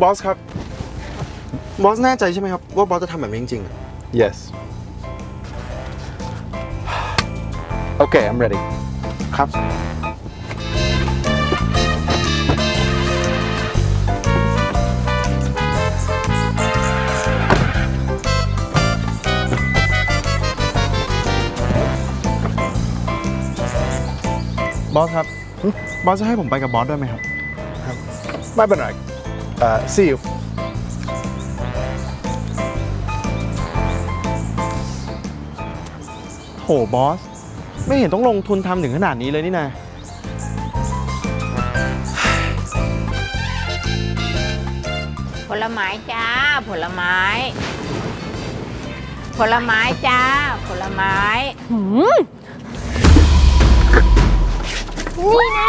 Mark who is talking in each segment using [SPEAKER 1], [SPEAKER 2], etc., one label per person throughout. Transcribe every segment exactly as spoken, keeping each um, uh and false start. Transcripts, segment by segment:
[SPEAKER 1] บอสครับบอสแน่ใจใช่ไหมครับว่าบอสจะทำแบบนี้จริงๆ
[SPEAKER 2] Yes. Okay, I'm ready.
[SPEAKER 1] ครับบอสครับบอสจะให้ผมไปกับบอสด้วยไหมครับ
[SPEAKER 2] ไม่เป็นไร Uh, see you.
[SPEAKER 1] โหบอสไม่เห็นต้องลงทุนทำถึงขนาดนี้เลยนี่นะ
[SPEAKER 3] ผลไม้จ้าผลไม้ ผลไม้จ้าผลไม้
[SPEAKER 4] หืมนี่นะ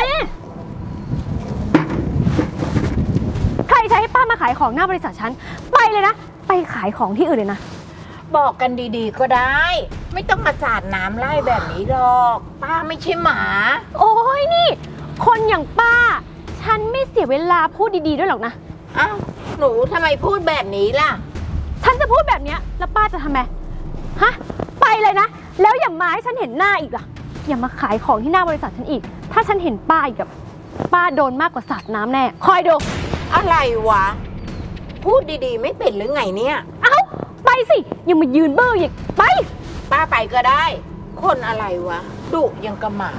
[SPEAKER 4] ใครใช้ให้ป้ามาขายของหน้าบริษัทฉันไปเลยนะไปขายของที่อื่นเลยนะ
[SPEAKER 3] บอกกันดีๆก็ได้ ไม่ต้องมาสาดน้ำไล่แบบนี้หรอกป้าไม่ใช่หมา
[SPEAKER 4] โอ้ยนี่คนอย่างป้าฉันไม่เสียเวลาพูดดีๆด้วยหรอกนะ
[SPEAKER 3] อ้าวหนูทำไมพูดแบบนี้ล่ะ
[SPEAKER 4] ฉันจะพูดแบบนี้แล้วป้าจะทำไมฮะไปเลยนะแล้วอย่ามาให้ฉันเห็นหน้าอีกล่ะอย่ามาขายของที่หน้าบริษัทฉันอีกถ้าฉันเห็นป้าอีกกับป้าโดนมากกว่าสาดน้ำแน่คอยดู
[SPEAKER 3] อะไรวะพูดดีๆไม่เป็นหรือไงเนี่ย
[SPEAKER 4] เอ้าไปสิยังมายืนเบ้ออีกไป
[SPEAKER 3] ป้าไปก็ได้ คนอะไรวะดุยังกระหม่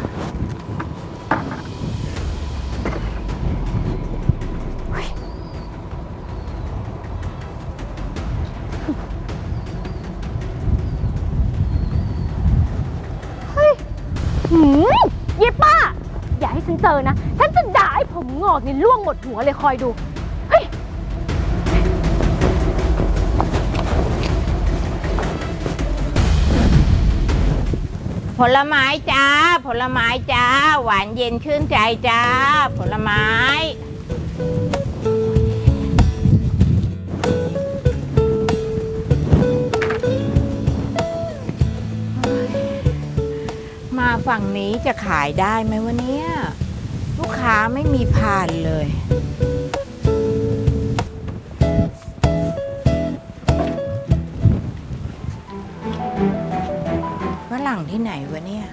[SPEAKER 4] หืมเย้ป้าอย่าให้ฉันเจอนะฉันจะด่าให้ผมงอกนี่ล่วงหมดหัวเลยคอยดูเฮ้ย
[SPEAKER 3] ผลไม้จ้าผลไม้จ้าหวานเย็นชื่นใจจ้าผลไม้มาฝั่งนี้จะขายได้ไหมวะเนี่ยลูกค้าไม่มีผ่านเลยฝรั่งที่ไหนวะเนี่ย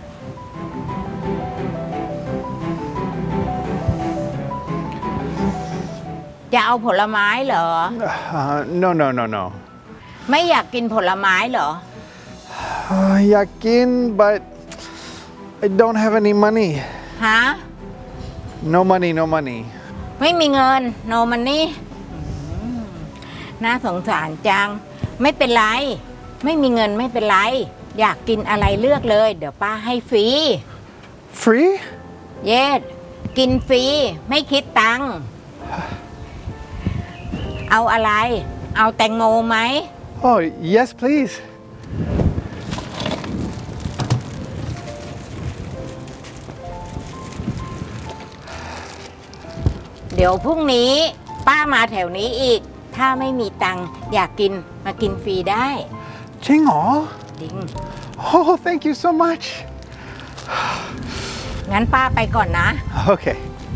[SPEAKER 3] จะเอาผลไม้เหรอ
[SPEAKER 2] Uh, no, no, no, no.
[SPEAKER 3] ไม่อยากกินผลไม้เหรอ
[SPEAKER 2] Uh, อยากกิน but I don't have any money.
[SPEAKER 3] ฮะ
[SPEAKER 2] No money, no money.
[SPEAKER 3] ไม่มีเงินโนมันนี่น่าสงสารจัง ไม่เป็นไร ไม่มีเงินไม่เป็นไร อยากกินอะไรเลือกเลย เดี๋ยวป้าให้ฟรี
[SPEAKER 2] Free?
[SPEAKER 3] เยสกินฟรี ไม่คิดตังค์เอาอะไร เอาแตงโมไหม
[SPEAKER 2] Oh, yes, please.
[SPEAKER 3] เดี๋ยวพรุ่งนี้ป้ามาแถวนี้อีก ถ้าไม่มีตังค์อยากกินมากินฟรีได้
[SPEAKER 2] จริงเหรอ
[SPEAKER 3] จริง
[SPEAKER 2] Oh, thank you so much.
[SPEAKER 3] งั้นป้าไปก่อนนะ
[SPEAKER 2] Okay.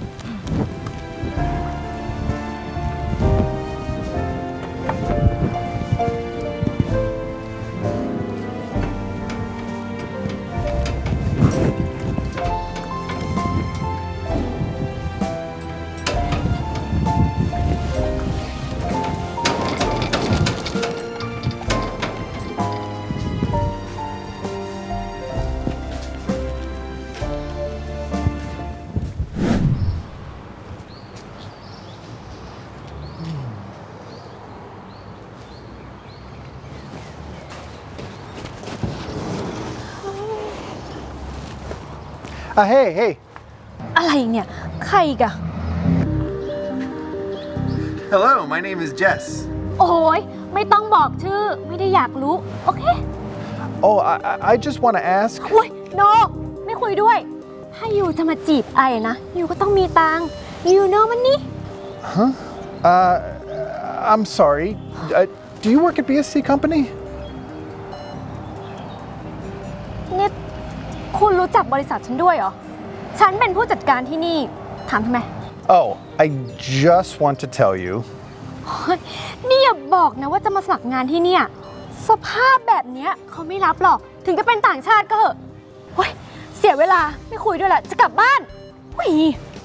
[SPEAKER 2] Uh, hey, hey.
[SPEAKER 4] อะไรเนี่ยใครอีกอะ
[SPEAKER 2] Hello, my name is Jess.
[SPEAKER 4] โอ้ยไม่ต้องบอกชื่อไม่ได้อยากรู้โอเค
[SPEAKER 2] Oh, I, I- I just want to ask.
[SPEAKER 4] โอ้ยโนไม่คุยด้วยถ้ายูจะมาจีบไอ้นะยูก็ต้องมีตังค์ยูโนมันนี่
[SPEAKER 2] Uh, I'm sorry. Uh, do you work at บี เอส ซี Company?
[SPEAKER 4] เนี่ยคุณรู้จักบริษัทฉันด้วยเหรอฉันเป็นผู้จัดการที่นี่ถามทำไม
[SPEAKER 2] Oh, I just want to tell you
[SPEAKER 4] เฮ้ยนี่อย่าบอกนะว่าจะมาสมัครงานที่เนี่ย สภาพแบบเนี้ยเขาไม่รับหรอก ถึงจะเป็นต่างชาติก็เหอะเฮ้ยเสียเวลาไม่คุยด้วยละจะกลับบ้านเฮ้ย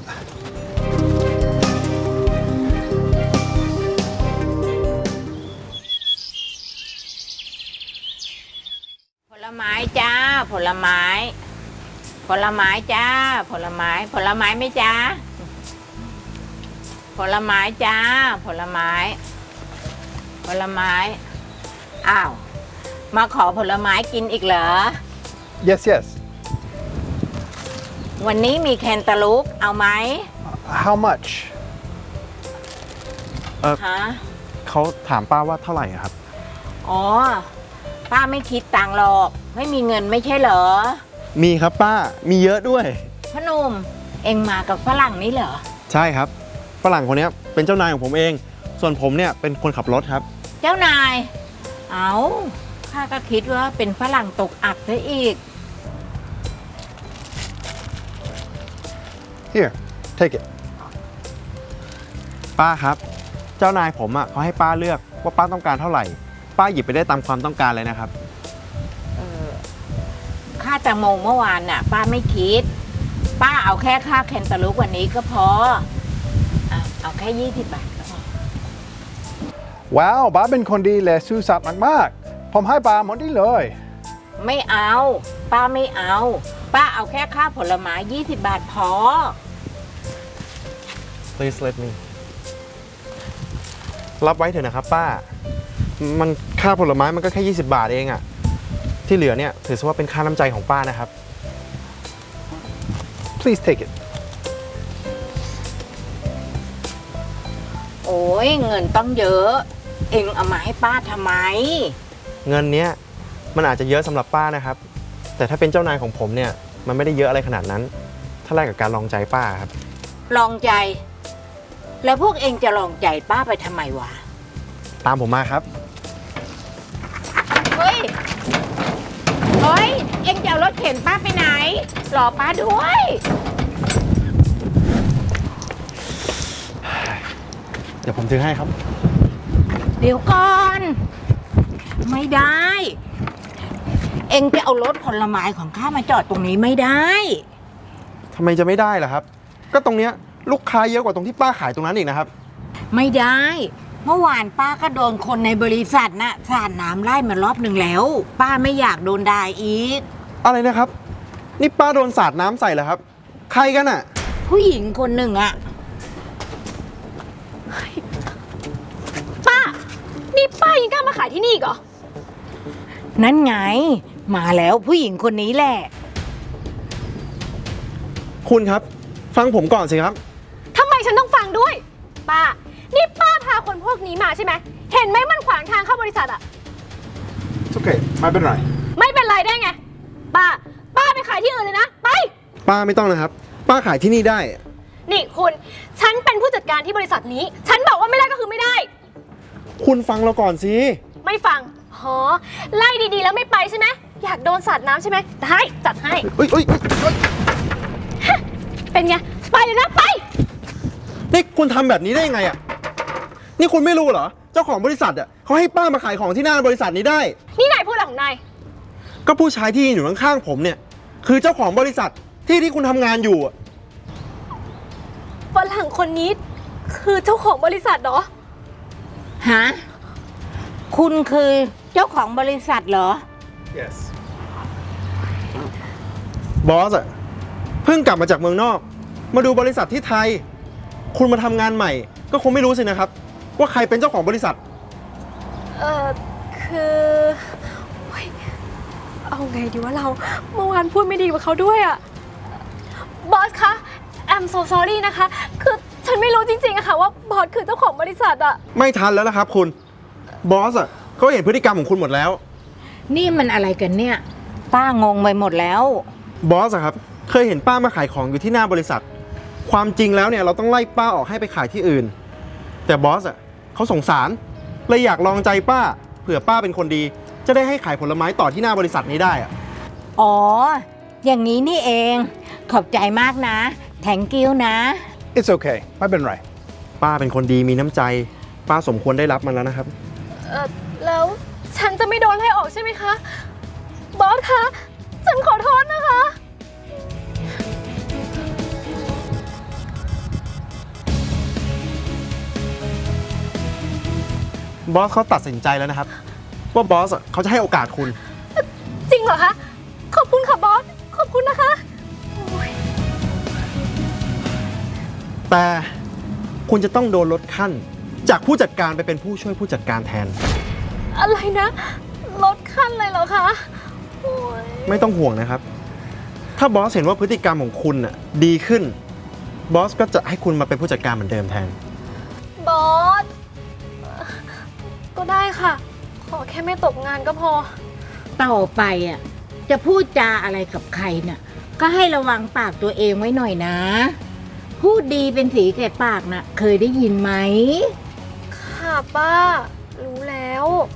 [SPEAKER 3] ผลไม้จ้า ผลไม้ ผลไม้จ้า ผลไม้ ผลไม้ไหมจ้า ผลไม้จ้า ผลไม้ ผลไม้ อ้าว มาขอผลไม้กินอีกเหรอ
[SPEAKER 2] Yes, yes.
[SPEAKER 3] วันนี้มีแคนตาลูปเอาไหม
[SPEAKER 2] How much?
[SPEAKER 3] ฮะ
[SPEAKER 1] เขาถามป้าว่าเท่าไหร่อะครับ
[SPEAKER 3] อ๋อ ป้าไม่คิดตังค์หรอก ไม่มีเงินไม่ใช่เหรอ
[SPEAKER 1] มีครับป้า มีเยอะด้วย
[SPEAKER 3] พอหนุ่ม เอ็งมากับฝรั่งนี่เหรอ
[SPEAKER 1] ใช่ครับ ฝรั่งคนเนี้ยเป็นเจ้านายของผมเอง ส่วนผมเนี่ยเป็นคนขับรถครับ
[SPEAKER 3] เจ้านาย เอาข้าก็คิดว่าเป็นฝรั่งตกอับซะอีก
[SPEAKER 2] Here, take it.
[SPEAKER 1] ป้าครับ เจ้านายผมอ่ะเขาให้ป้าเลือกว่าป้าต้องการเท่าไหร่ ป้าหยิบไปได้ตามความต้องการเลยนะครับ
[SPEAKER 3] เออค่าแตงโมเมื่อวานน่ะ ป้าไม่คิด ป้าเอาแค่ค่าแคนตาลูปวันนี้ก็พออ่ะเอาแค่ยี่สิบบาทก็พอ
[SPEAKER 2] ว้าวบ้าเป็นคนดีและซื่อสัตย์มากๆ ผมให้ปลาหมดนี่เลย
[SPEAKER 3] ไม่เอา ป้าไม่เอา ป้าเอาแค่ค่าผลไม้ยี่สิบบาทพอ
[SPEAKER 1] Please let me รับไว้เถอะนะครับป้า มันค่าผลไม้มันก็แค่ยี่สิบบาทเองอะที่เหลือเนี่ยถือซะว่าเป็นค่าน้ำใจของป้านะครับ
[SPEAKER 2] Please take it.
[SPEAKER 3] โอ้ยเงินต้องเยอะ เอ็งเอามาให้ป้าทำไม
[SPEAKER 1] เงินเนี้ยมันอาจจะเยอะสำหรับป้านะครับ แต่ถ้าเป็นเจ้านายของผมเนี่ยมันไม่ได้เยอะอะไรขนาดนั้น ถ้าแลกกับการลองใจป้าครับ
[SPEAKER 3] ลองใจ แล้วพวกเอ็งจะลองใจป้าไปทำไมวะ
[SPEAKER 1] ตามผมมาครับ
[SPEAKER 3] เฮ้ย เฮ้ย เอ็งจะเอารถเข็นป้าไปไหน รอป้าด้วย
[SPEAKER 1] เดี๋ยวผมถือให้ครับ
[SPEAKER 3] เดี๋ยวก่อน ไม่ได้ เอ็งจะเอารถผลไม้ของข้ามาจอดตรงนี้ไม่ได้
[SPEAKER 1] ทำไมจะไม่ได้ล่ะครับ ก็ตรงเนี้ยลูกค้าเยอะกว่าตรงที่ป้าขายตรงนั้นอีกนะครับ
[SPEAKER 3] ไม่ได้ เมื่อวานป้าก็โดนคนในบริษัทน่ะสาดน้ำไล่มารอบหนึ่งแล้ว ป้าไม่อยากโดนด่าอีก
[SPEAKER 1] อะไรนะครับ นี่ป้าโดนสาดน้ำใส่เหรอครับ ใครกันอะ
[SPEAKER 3] ผู้หญิงคนหนึ่งอะ
[SPEAKER 4] ป้า นี่ป้ายังกล้ามาขายที่นี่อีกเหรอ
[SPEAKER 3] นั่นไง มาแล้วผู้หญิงคนนี้แหละ
[SPEAKER 1] คุณครับ ฟังผมก่อนสิครับ
[SPEAKER 4] ทำไมฉันต้องฟังด้วย ป้า นี่ป้าพาคนพวกนี้มาใช่ไหม เห็นไหมมันขวางทางเข้าบริษัทอะ
[SPEAKER 2] It's okay ไม่เป็นไร
[SPEAKER 4] ไม่เป็นไรได้ไง ป้า ป้าไปขายที่อื่นเลยนะ ไป
[SPEAKER 1] ป้าไม่ต้องนะครับ ป้าขายที่นี่ได้
[SPEAKER 4] นี่คุณ ฉันเป็นผู้จัดการที่บริษัทนี้ ฉันบอกว่าไม่ได้ก็คือไม่ได้
[SPEAKER 1] คุณฟังเราก่อนสิ
[SPEAKER 4] ไม่ฟังหอไล่ดีๆแล้วไม่ไปใช่ไหม อยากโดนสาดน้ำใช่ไหม ได้ จัดให้
[SPEAKER 1] เอ้ยเอ้ยเอ้ยเอ้ย
[SPEAKER 4] เป็นไง ไปเลยนะ ไป
[SPEAKER 1] นี่คุณทำแบบนี้ได้ยังไงอะนี่คุณไม่รู้เหรอ เจ้าของบริษัทอะเขาให้ป้ามาขายของที่หน้าบริษัทนี้ได้
[SPEAKER 4] นี่นายพูดอะไรของนาย
[SPEAKER 1] ก็ผู้ชายที่ยืนอยู่ข้างๆผมเนี่ย คือเจ้าของบริษัทที่ที่คุณทำงานอยู่อะ
[SPEAKER 4] ฝรั่งคนนี้คือเจ้าของบริษัทเหรอ
[SPEAKER 3] ฮะ คุณคือเจ้าของบริษัทเหรอ
[SPEAKER 2] Yes
[SPEAKER 1] บอสอะเพิ่งกลับมาจากเมืองนอก มาดูบริษัทที่ไทย คุณมาทำงานใหม่ ก็คงไม่รู้สินะครับ ว่าใครเป็นเจ้าของบริษัท
[SPEAKER 4] เออคือเฮ้ยเอาไงดีวะเรา เมื่อวานพูดไม่ดีกับเขาด้วยอะบอสคะ I'm so sorry นะคะ คือฉันไม่รู้จริงๆอะค่ะว่าบอสคือเจ้าของบริษัทอะ
[SPEAKER 1] ไม่ทันแล้วนะครับคุณ บอสอะเขาเห็นพฤติกรรมของคุณหมดแล้ว
[SPEAKER 3] นี่มันอะไรกันเนี่ย ป้างงไปหมดแล้ว
[SPEAKER 1] บอสอะครับ เคยเห็นป้ามาขายของอยู่ที่หน้าบริษัท ความจริงแล้วเนี่ยเราต้องไล่ป้าออกให้ไปขายที่อื่น แต่บอสอะเขาสงสาร เลยอยากลองใจป้า เผื่อป้าเป็นคนดี จะได้ให้ขายผลไม้ต่อที่หน้าบริษัทนี้ได้อะ
[SPEAKER 3] อ๋อ อย่างนี้นี่เอง ขอบใจมากนะ แทงกิ้วนะ
[SPEAKER 2] It's okay ไม่เป็นไร
[SPEAKER 1] ป้าเป็นคนดีมีน้ำใจป้าสมควรได้รับมันแล้วนะครับ
[SPEAKER 4] เออแล้วฉันจะไม่โดนไล่ออกใช่ไหมคะ บอสคะ ฉันขอโทษนะคะ
[SPEAKER 1] บอสเขาตัดสินใจแล้วนะครับ ว่าบอสอะเขาจะให้โอกาสคุณ
[SPEAKER 4] จริงเหรอคะ ขอบคุณค่ะบอส ขอบคุณนะคะโอ้ย
[SPEAKER 1] แต่คุณจะต้องโดนลดขั้น จากผู้จัดการไปเป็นผู้ช่วยผู้จัดการแทน
[SPEAKER 4] อะไรนะ ลดขั้นเลยเหรอคะโอ้ย
[SPEAKER 1] ไม่ต้องห่วงนะครับ ถ้าบอสเห็นว่าพฤติกรรมของคุณน่ะดีขึ้น บอสก็จะให้คุณมาเป็นผู้จัดการเหมือนเดิมแทน
[SPEAKER 4] บอสเอ่อก็ได้ค่ะ ขอแค่ไม่ตกงานก็พอ
[SPEAKER 3] ต่อไปอ่ะจะพูดจาอะไรกับใครน่ะก็ให้ระวังปากตัวเองไว้หน่อยนะ พูดดีเป็นสีแก่ปากน่ะ เคยได้ยินไหม
[SPEAKER 4] ค่ะป้า รู้แล้ว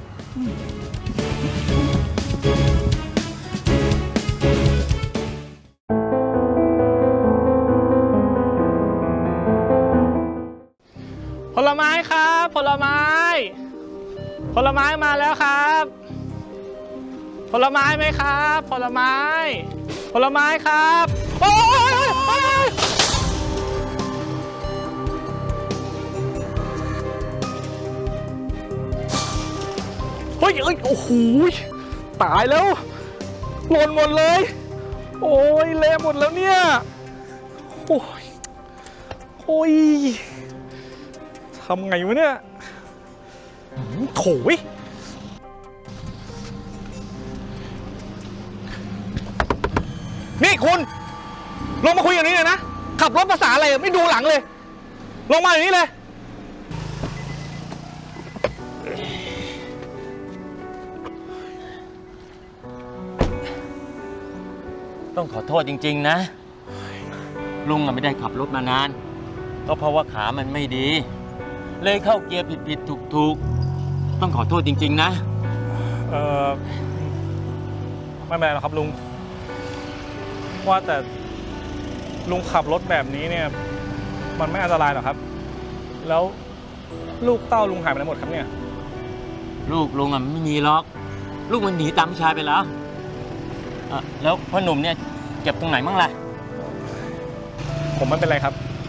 [SPEAKER 5] ผลไม้ครับผลไม้ ผลไม้มาแล้วครับ ผลไม้ไหมครับ ผลไม้ ผลไม้ครับโอ้ยโอ้ยเฮ้ยเอ้ยโอ้โหตายแล้วหล่นหมดเลย โอ้ยเละหมดแล้วเนี่ยโอ้ยโอ้ยทำไงวะเนี่ยโถยนี่คุณ ลงมาคุยอย่างนี้เลยนะ ขับรถภาษาอะไรไม่ดูหลังเลย ลงมาอย่างนี้เลย
[SPEAKER 6] ต้องขอโทษจริงๆนะ ลุงอะไม่ได้ขับรถมานาน ก็เพราะว่าขามันไม่ดี เลยเข้าเกียร์ผิดๆถูกๆต้องขอโทษจริงๆนะ
[SPEAKER 5] เออไม่เป็นไรหรอกครับลุง ว่าแต่ลุงขับรถแบบนี้เนี่ย มันไม่อันตรายหรอกครับ แล้วลูกเต้าลุงหายไปไหนหมดครับเนี่ย
[SPEAKER 6] ลูกลุงอะไม่มีหรอก ลูกมันหนีตามผู้ชายไปแล้วเอ่อแล้วพ่อหนุ่มเนี่ยเจ็บตรงไหนมั่งล่ะ
[SPEAKER 5] ผมไม่เป็นไรครับ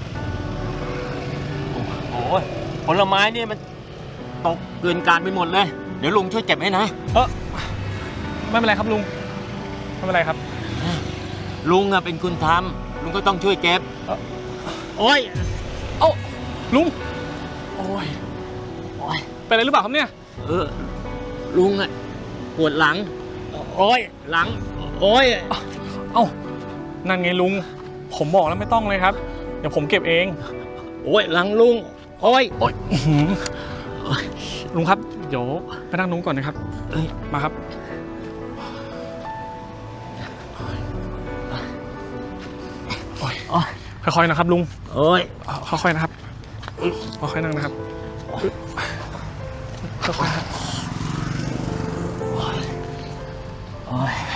[SPEAKER 6] โอ้ยผลไม้เนี่ยมันตกเกินการไปหมดเลย เดี๋ยวลุงช่วยเก็บให้นะ
[SPEAKER 5] เออไม่เป็นไรครับลุง ไม่เป็นไรครับ
[SPEAKER 6] ลุงอะเป็นคนทำลุงก็ต้องช่วยเก็บ
[SPEAKER 5] เอ่อ
[SPEAKER 6] โอ้ย
[SPEAKER 5] เอ้าลุง โอ้ย
[SPEAKER 6] โอ้ย
[SPEAKER 5] เป็นอะไรหรือเปล่าครับเนี่ย
[SPEAKER 6] เออลุงอะปวดหลัง โอ้ยหลัง โอ้ย
[SPEAKER 5] เอ้านั่นไงลุง ผมบอกแล้วไม่ต้องเลยครับ เดี๋ยวผมเก็บเอง
[SPEAKER 6] โอ้ยหลังลุง โอ้ย
[SPEAKER 5] โอ้ยอื้อหือลุงครับ เดี๋ยวไปนั่งนุ้งก่อนนะครับ
[SPEAKER 6] เอ้ย
[SPEAKER 5] มาครับ โอ้ย
[SPEAKER 6] โอ้ย
[SPEAKER 5] ค่อยๆนะครับลุง
[SPEAKER 6] โอ้ย
[SPEAKER 5] ค่อยๆนะครับค่อยๆนั่งนะครับค่อยๆครับ
[SPEAKER 6] โอ้ย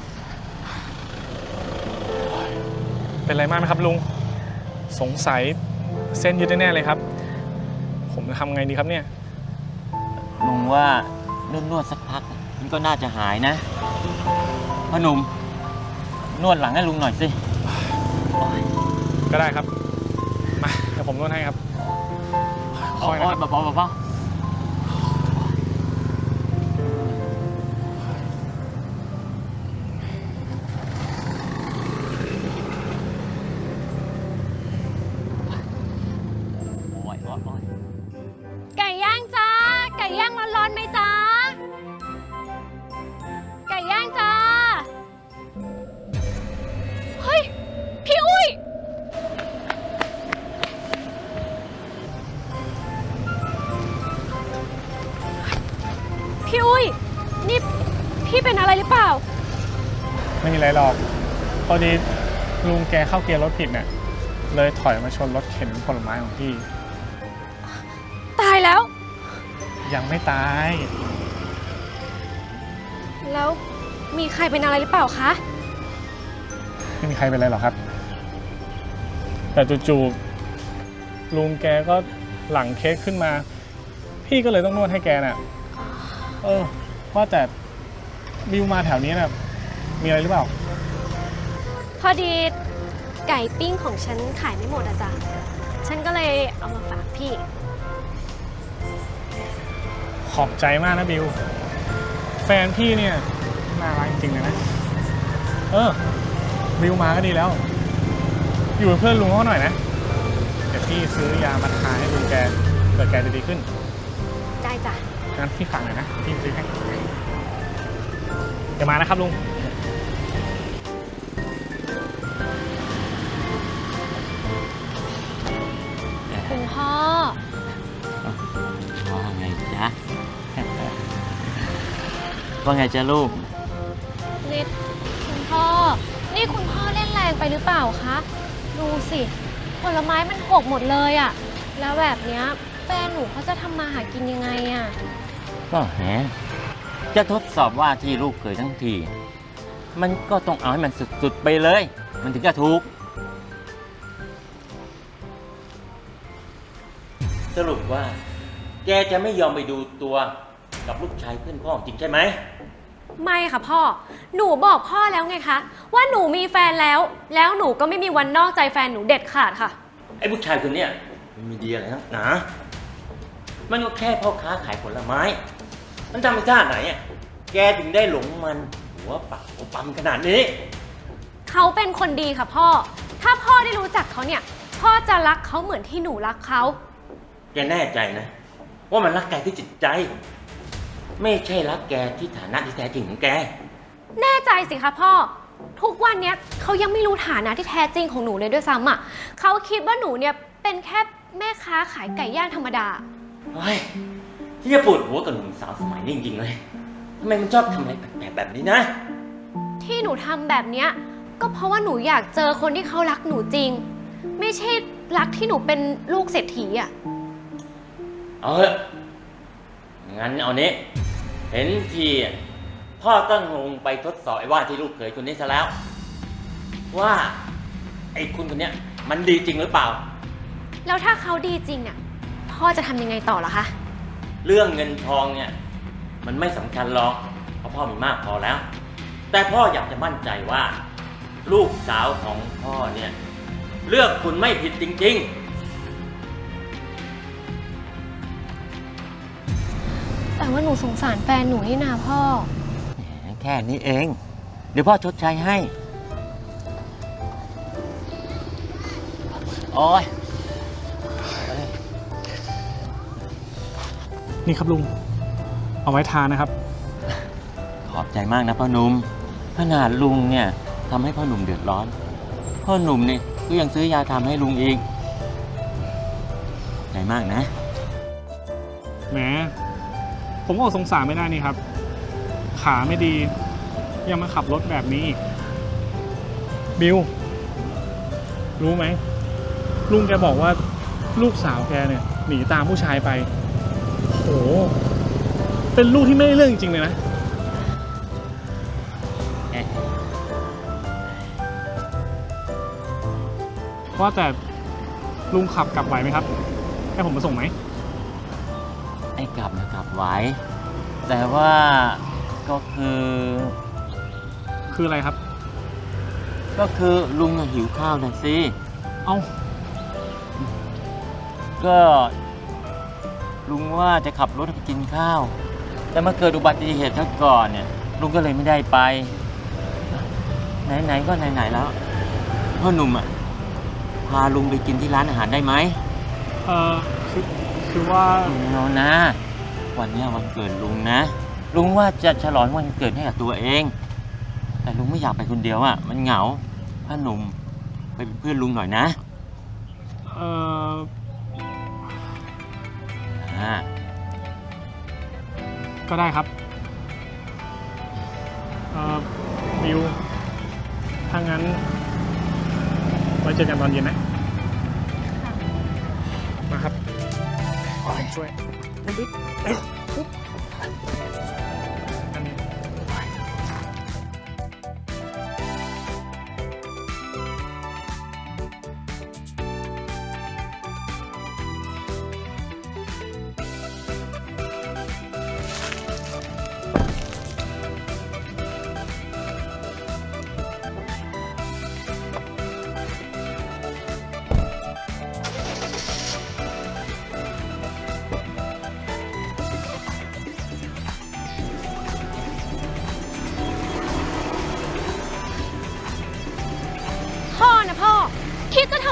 [SPEAKER 5] เป็นไรมากไหมครับลุง สงสัยเส้นยืดแน่ๆเลยครับ ผมจะทำไงดีครับเนี่ย
[SPEAKER 6] ลุงว่านวดนวดๆสักพักมันก็น่าจะหายนะพ่อหนุ่มนวดหลังให้ลุงหน่อยสิโอ้ย
[SPEAKER 5] ก็ได้ครับ มาเดี๋ยวผมนวดให้ครับ
[SPEAKER 6] โอ้
[SPEAKER 5] ค่อย
[SPEAKER 6] ย
[SPEAKER 5] ๆนะครับ
[SPEAKER 6] เบาๆเบาๆโอ้ยโอ้ยโอ้ย
[SPEAKER 4] ไก่ย่างจ้า ไก่ย่างร้อนๆไหมจ้า ไก่ย่างจ้า เฮ้ย พี่อุ้ย พี่อุ้ย นี่พี่เป็นอะไรหรือเปล่า
[SPEAKER 5] ไม่มีอะไรหรอก พอดีลุงแกเข้าเกียร์รถผิดเนี่ย เลยถอยมาชนรถเข็นผลไม้ของพี่
[SPEAKER 4] ตายแล้ว
[SPEAKER 5] ยังไม่ตาย
[SPEAKER 4] แล้วมีใครเป็นอะไรหรือเปล่าคะ
[SPEAKER 5] ไม่มีใครเป็นไรหรอกครับ แต่จู่ๆลุงแกก็หลังเค้กขึ้นมาพี่ก็เลยต้องนวดให้แกน่ะ เออว่าแต่บิวมาแถวนี้น่ะมีอะไรหรือเปล่า
[SPEAKER 4] พอดีไก่ปิ้งของฉันขายไม่หมดอะจ้ะฉันก็เลยเอามาฝากพี่
[SPEAKER 5] ขอบใจมากนะบิว แฟนพี่เนี่ยน่ารักจริงๆเลยนะ เออ บิวมาก็ดีแล้ว อยู่เป็นเพื่อนลุงเขาหน่อยนะ เดี๋ยวพี่ซื้อยามาทาให้ลุงแกเผื่อแกจะดีขึ้น
[SPEAKER 4] ได้จ้ะ
[SPEAKER 5] งั้นพี่ฝากหน่อยนะ พี่ซื้อให้เดี๋ยวมานะครับลุง
[SPEAKER 4] คุณพ่อ
[SPEAKER 6] ว่าไงจ๊ะ ว่าไงจ๊ะลูก
[SPEAKER 4] นี่คุณพ่อ นี่คุณพ่อเล่นแรงไปหรือเปล่าคะ ดูสิ ผลไม้มันหกหมดเลยอะแล้วแบบเนี้ยแฟนหนูเขาจะทำมาหากินยังไงอะ
[SPEAKER 6] ก็แหมจะทดสอบว่าที่ลูกเคยทั้งที มันก็ต้องเอาให้มันสุดๆไปเลย มันถึงจะถูก สรุปว่า แกจะไม่ยอมไปดูตัวกับลูกชายเพื่อนพ่อจริงใช่ไหม
[SPEAKER 4] ไม่ค่ะพ่อ หนูบอกพ่อแล้วไงคะ ว่าหนูมีแฟนแล้ว แล้วหนูก็ไม่มีวันนอกใจแฟนหนูเด็ดขาดค่ะ
[SPEAKER 6] ไอ้ผู้ชายคนเนี้ยมันมีดีอะไรนักหนา มันก็แค่พ่อค้าขายผลไม้ มันทำไปท่าไหนอ่ะ แกถึงได้หลงมันหัวปักหัวปั๊มขนาดนี้
[SPEAKER 4] เขาเป็นคนดีค่ะพ่อ ถ้าพ่อได้รู้จักเขาเนี่ย พ่อจะรักเขาเหมือนที่หนูรักเขา
[SPEAKER 6] แกแน่ใจนะ ว่ามันรักแกที่จิตใจ ไม่ใช่รักแกที่ฐานะที่แท้จริงของแก
[SPEAKER 4] แน่ใจสิคะพ่อ ทุกวันเนี้ยเขายังไม่รู้ฐานะที่แท้จริงของหนูเลยด้วยซ้ำอ่ะเขาคิดว่าหนูเนี่ยเป็นแค่แม่ค้าขายไก่ย่างธรรมดา
[SPEAKER 6] เฮ้ย ที่จะปวดหัวกับหนุ่มสาวสมัยนี้จริงๆเลย ทำไมมันชอบทำอะไรแปลกๆแบบนี้นะ
[SPEAKER 4] ที่หนูทำแบบเนี้ยก็เพราะว่าหนูอยากเจอคนที่เขารักหนูจริง ไม่ใช่รักที่หนูเป็นลูกเศรษฐีอ่ะ
[SPEAKER 6] เอาเถอะงั้นเอานี้ เห็นทีอ่ะพ่อต้องลงไปทดสอบไอ้ว่าที่ลูกเขยคนนี้ซะแล้ว ว่าไอ้คุณคนเนี้ยมันดีจริงหรือเปล่า
[SPEAKER 4] แล้วถ้าเขาดีจริงเนี่ยพ่อจะทำยังไงต่อเหรอคะ
[SPEAKER 6] เรื่องเงินทองเนี่ยมันไม่สำคัญหรอกเพราะพ่อมีมากพอแล้ว แต่พ่ออยากจะมั่นใจว่า ลูกสาวของพ่อเนี่ยเลือกคุณไม่ผิดจริงๆ
[SPEAKER 4] แต่ว่าหนูสงสารแฟนหนูนี่นาพ่อ
[SPEAKER 6] แค่นี้เอง เดี๋ยวพ่อชดใช้ให้ โอ้ย
[SPEAKER 5] นี่ครับลุง เอาไว้ทานนะครับ
[SPEAKER 6] ขอบใจมากนะพ่อหนุ่มขนาดลุงเนี่ยทำให้พ่อหนุ่มเดือดร้อน พ่อหนุ่มเนี่ยก็ยังซื้อยาทำให้ลุงอีกใจมากนะ
[SPEAKER 5] แหม ผมก็อดสงสารไม่ได้นี่ครับ ขาไม่ดี ยังมาขับรถแบบนี้อีก บิว รู้ไหม ลุงแกบอกว่าลูกสาวแกเนี่ยหนีตามผู้ชายไป โห เป็นลูกที่ไม่ได้เรื่องจริงๆเลยนะ ว่าแต่ลุงขับกลับไหวไหมครับ ให้ผมมาส่งไหม
[SPEAKER 6] ไอ้กลับนะกลับไว้ แต่ว่าก็คือ
[SPEAKER 5] คืออะไรครับ
[SPEAKER 6] ก็คือลุงน่ะหิวข้าวนะสิ
[SPEAKER 5] เอา
[SPEAKER 6] ก็ลุงว่าจะขับรถไปกินข้าว แต่มาเกิดอุบัติเหตุซะก่อนเนี่ยลุงก็เลยไม่ได้ไป ไหนๆก็ไหนๆแล้วพ่อหนุ่มอ่ะพาลุงไปกินที่ร้านอาหารได้ไหม
[SPEAKER 5] เออคือคือว่า
[SPEAKER 6] เอานะ วันเนี้ยวันเกิดลุงนะ ลุงว่าจะฉลองวันเกิดให้กับตัวเอง แต่ลุงไม่อยากไปคนเดียวอ่ะมันเหงาพ่อหนุ่มไปเป็นเพื่อนลุงหน่อยนะ
[SPEAKER 5] เออ
[SPEAKER 6] อ่า
[SPEAKER 5] ก็ได้ครับ เออบิว ถ้างั้นไว้เจอกันตอนเย็นนะ มาครับช่วยอันนี้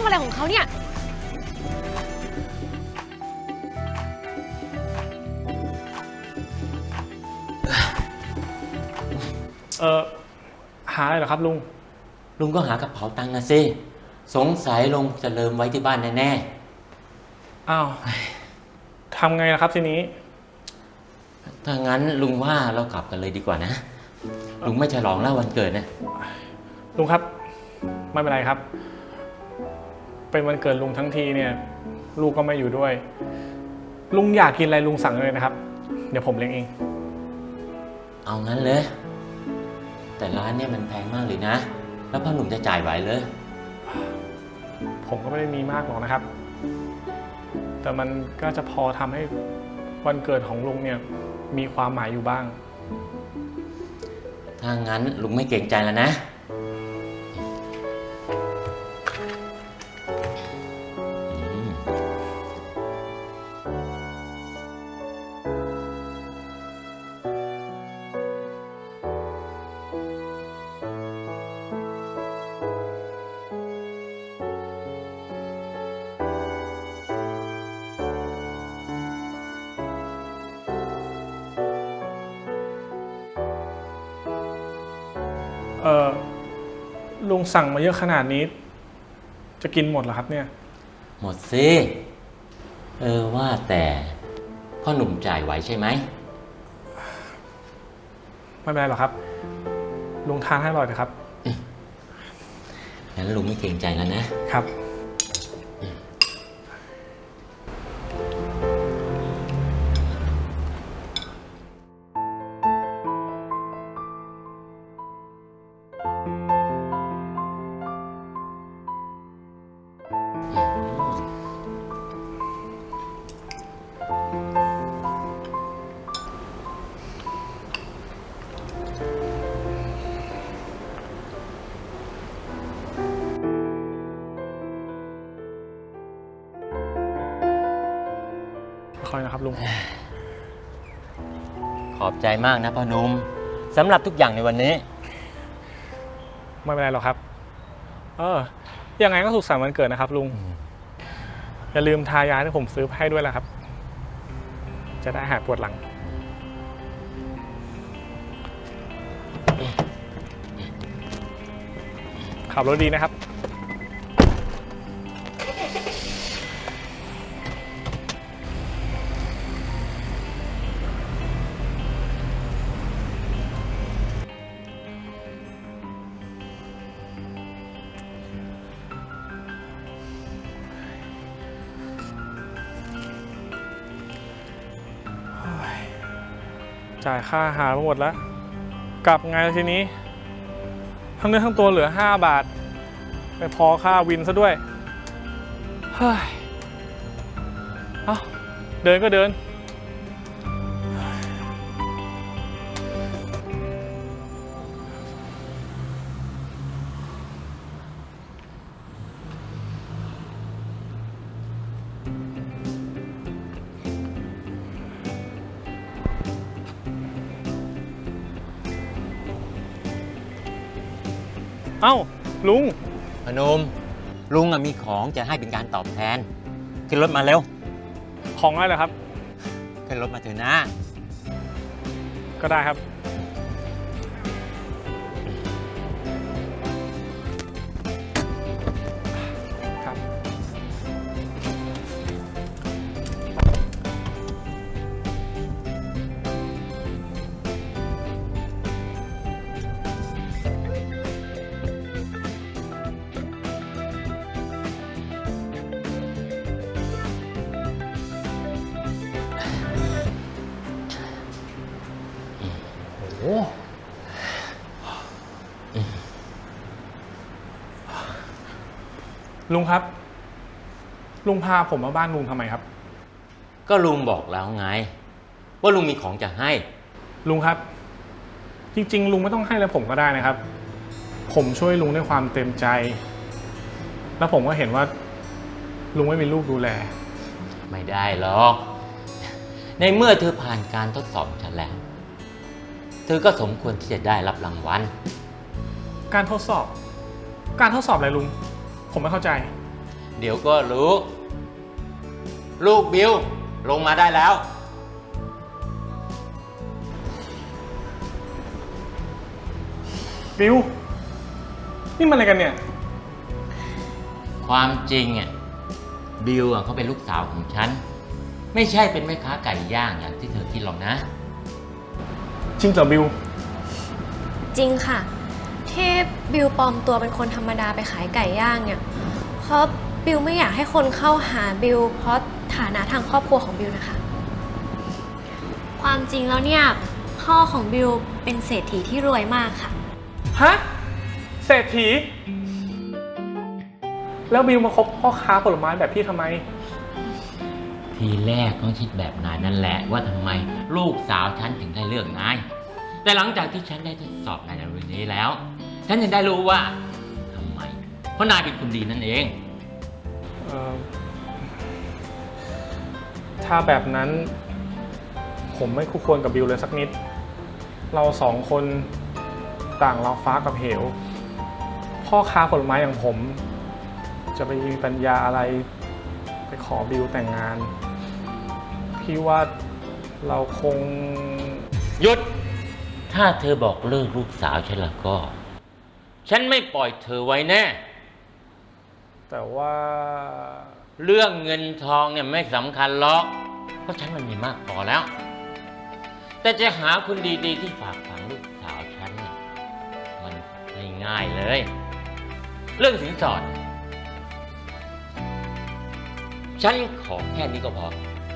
[SPEAKER 4] อะไรของเขาเนี่ย
[SPEAKER 5] เออหาอะไรเหรอครับลุง
[SPEAKER 6] ลุงก็หากระเป๋าตังค์นะสิสงสัยลุงจะลืมไว้ที่บ้านแน่
[SPEAKER 5] อ้าวทำไงล่ะครับทีนี้
[SPEAKER 6] ๆถ้างั้นลุงว่าเรากลับกันเลยดีกว่านะ ลุงไม่ฉลองแล้ววันเกิดนะ
[SPEAKER 5] ลุงครับ ไม่เป็นไรครับ เป็นวันเกิดลุงทั้งทีเนี่ย ลูกก็ไม่อยู่ด้วย ลุงอยากกินอะไรลุงสั่งเลยนะครับ เดี๋ยวผมเลี้ยงเอง
[SPEAKER 6] เอางั้นเลย แต่ร้านเนี่ยมันแพงมากเลยนะ แล้วพ่อหนุ่มจะจ่ายไหวเลย
[SPEAKER 5] ผมก็ไม่ได้มีมากหรอกนะครับ แต่มันก็จะพอทำให้วันเกิดของลุงเนี่ยมีความหมายอยู่บ้าง
[SPEAKER 6] ถ้างั้นลุงไม่เกรงใจแล้วนะ อืม
[SPEAKER 5] เออลุงสั่งมาเยอะขนาดนี้ จะกินหมดเหรอครับเนี่ย
[SPEAKER 6] หมดสิ เออว่าแต่พ่อหนุ่มจ่ายไหวใช่ไหม
[SPEAKER 5] ไม่เป็นไรหรอกครับ ลุงทานให้อร่อยนะครับ
[SPEAKER 6] งั้นลุงไม่เกรงใจแล้วนะ
[SPEAKER 5] ครับ ค่อยนะครับลุง
[SPEAKER 6] ขอบใจมากนะพ่อหนุ่มสำหรับทุกอย่างในวันนี้
[SPEAKER 5] ไม่เป็นไรหรอกครับ เออ ยังไงก็สุขสันต์วันเกิดนะครับลุง อย่าลืมทายาที่ผมซื้อให้ด้วยนะครับ จะได้หายปวดหลัง ขับรถดีนะครับ จ่ายค่าอาหารมาหมดแล้ว กลับไงล่ะทีนี้ ทั้งเนื้อทั้งตัวเหลือห้าบาท ไปพอค่าวินซะด้วย เฮ้ย เอ้า เดินก็เดิน เอ้า ลุง
[SPEAKER 6] พนม ลุงอะมีของจะให้เป็นการตอบแทน ขึ้นรถมาเร็ว
[SPEAKER 5] ของอะไรเหรอครับ
[SPEAKER 6] ขึ้นรถมาเถอะนะ
[SPEAKER 5] ก็ได้ครับ ครับ ลุงครับ ลุงพาผมมาบ้านลุงทำไมครับ
[SPEAKER 6] ก็ลุงบอกแล้วไง ว่าลุงมีของจะให้
[SPEAKER 5] ลุงครับ จริงๆ ลุงไม่ต้องให้แล้วผมก็ได้นะครับ ผมช่วยลุงด้วยความเต็มใจ แล้วผมก็เห็นว่า ลุงไม่มีลูกดูแล
[SPEAKER 6] ไม่ได้หรอก ในเมื่อเธอผ่านการทดสอบฉันแล้ว เธอก็สมควรที่จะได้รับรางวัล
[SPEAKER 5] การทดสอบ การทดสอบอะไรลุง ผมไม่เข้าใจ
[SPEAKER 6] เดี๋ยวก็รู้ ลูกบิวลงมาได้แล้ว
[SPEAKER 5] บิว นี่มันอะไรกันเนี่ย
[SPEAKER 6] ความจริงอ่ะบิวอ่ะเขาเป็นลูกสาวของฉัน ไม่ใช่เป็นแม่ค้าไก่ย่างอย่างที่เธอคิดหรอกนะ
[SPEAKER 5] จริงเหรอบิว
[SPEAKER 7] จริงค่ะ ที่บิวปลอมตัวเป็นคนธรรมดาไปขายไก่ย่างเนี่ย เพราะบิวไม่อยากให้คนเข้าหาบิวเพราะฐานะทางครอบครัวของบิวนะคะ ความจริงแล้วเนี่ยพ่อของบิวเป็นเศรษฐีที่รวยมากค่ะ
[SPEAKER 5] ฮะ เศรษฐี แล้วบิวมาคบพ่อค้าผลไม้แบบพี่ทำไม
[SPEAKER 6] ทีแรกต้องคิดแบบนายนั่นแหละว่าทำไมลูกสาวฉันถึงได้เลือกนาย แต่หลังจากที่ฉันได้ทดสอบนายในวันนี้แล้ว ฉันยังได้รู้ว่าทำไม เพราะนายเป็นคนดีนั่นเอง
[SPEAKER 5] เอ่อ ถ้าแบบนั้น ผมไม่คู่ควรกับบิวเลยสักนิด เราสองคนต่างเราฟ้ากับเหว พ่อค้าผลไม้อย่างผม จะไปมีปัญญาอะไร ไปขอบิวแต่งงาน พี่ว่าเราคง
[SPEAKER 6] หยุด ถ้าเธอบอกเลิกลูกสาวฉันแล้วก็ ฉันไม่ปล่อยเธอไว้แน่
[SPEAKER 5] แต่ว่า
[SPEAKER 6] เรื่องเงินทองเนี่ยไม่สำคัญหรอก เพราะฉันมันมีมากพอแล้ว แต่จะหาคนดีๆที่ฝากฝังลูกสาวฉันเนี่ยมันไม่ง่ายเลย เรื่องสินสอด ฉันขอแค่นี้ก็พอ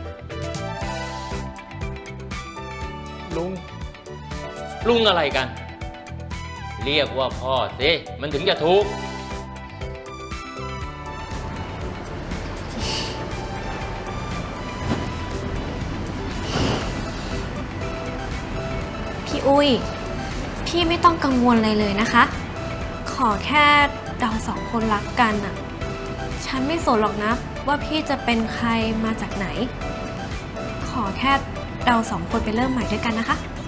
[SPEAKER 5] ลุง
[SPEAKER 6] ลุงอะไรกัน เรียกว่าพ่อสิมันถึงจะถูก
[SPEAKER 7] พี่อุ้ย พี่ไม่ต้องกังวลอะไรเลยนะคะ ขอแค่เราสองคนรักกันอะฉันไม่สนหรอกนะว่าพี่จะเป็นใครมาจากไหน ขอแค่เราสองคนไปเริ่มใหม่ด้วยกันนะคะ